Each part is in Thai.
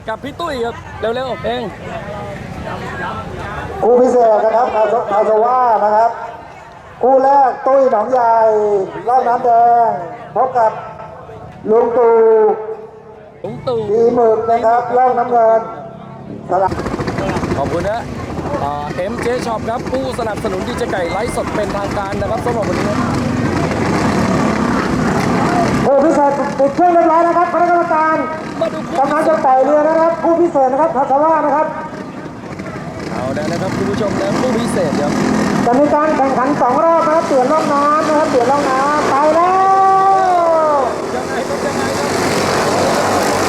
กับพี่ตุ้ยครับเร็วๆเองคู่พิเศษนะครับคาโซว่านะครับคู่แรกตุ้ยหนองใหญ่รอบน้ำแดงพบกับลุงตู่ลุงตู่ดีหมึกนะครับรอบน้ำเงินสลับขอบคุณนะMJ Shop ครับผู้สนับสนุนดีเจไก่ไลฟ์สดเป็นทางการนะครับสำหรับวันนี้คู่พิเศษติดเครื่องเรียบร้อยนะครับคณะกรรมการมาดูคู่กำลังจะไต่เรือนะครับคู่พิเศษนะครับคาโซว่านะครับเอาแล้วนะครับคุณผู้ชมนะคู่พิเศษครับจะมีการแข่งขัน2 รอบนะครับเปลี่ยนร่องน้ำนะครับเปลี่ยนร่องน้ำไปแล้วยังไงครับ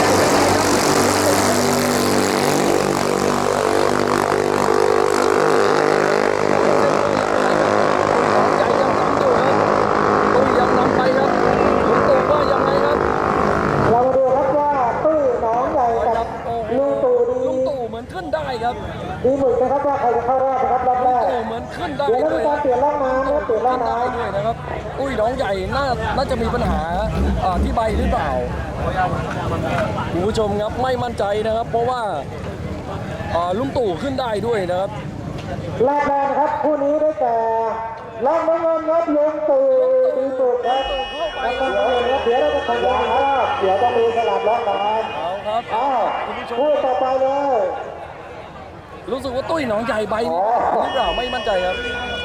ใจยังนำอยู่ครับตุ้ยยังนำไปครับลุงตู่ว่ายังไงครับเรามาดูครับว่าตุ้ยหนองใหญ่กับโอ้โหลุงตู่ลุงตู่เหมือนขึ้นได้ครับดีหมึกนะครับว่าใครจะเข้ารอบนะครับรอบแรลุงกตู่เหมือนขึ้นได้เดี๋ยวเราด้วมียการเปลี่ยนร่องน้ำนะครับเปลี่ยนร่องน้ได้ด้วยนะครับอุ้ยน้องใหญ่น่าจะมีปัญหาที่ใบหรือเปล่าคุณผู้ชมครับไม่มั่นใจนะครับ เพราะว่าลุงตู่ขึ้นได้ด้วยนะครับำรอบแรกนะครับคู่นี้ได้แก่ร่องน้ำเงินครับลุงตู่ดีหมึกครับแล้วก็เดี๋ยวเราจะขยายครับเดี๋ยวต้องมีสลับร่องน้เอาครับำอ้าวคุณผู้ชมคู่ต่อไปเลยรู้สึกว่าตุ้ยหนองใหญ่ใบหรือเปล่าไม่มั่นใจครับ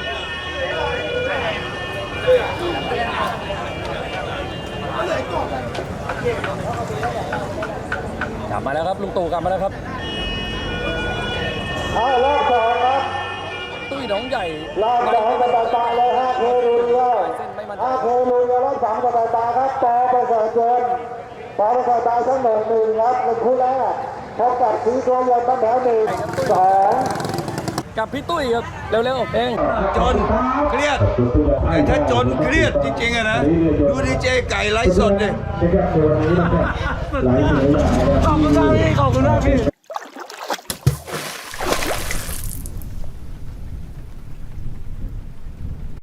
กลับมาแล้วครับลุงตู่กลับมาแล้วครับเอารอบสองครับตุ้ยหนองใหญ่รอบสองกับตาเลย5 เครูเดียวเส้นไม่มั่นใจ 5 เครูเดียวรอบสองกับตาครับปอประเสริฐเกินปอประเสริฐตายทั้ง1-1ครับในคู่แรกพบกับสีตัวยนต์ตั้งแถว1-2 กับพี่ตุ้ยครับเร็วๆเองจนเครียดแต่ถ้าจนเครียดจริงๆอะนะ ดูดีเจไก่ไลฟ์สดดิขอบคุณมากพี่ขอบคุณมากพี่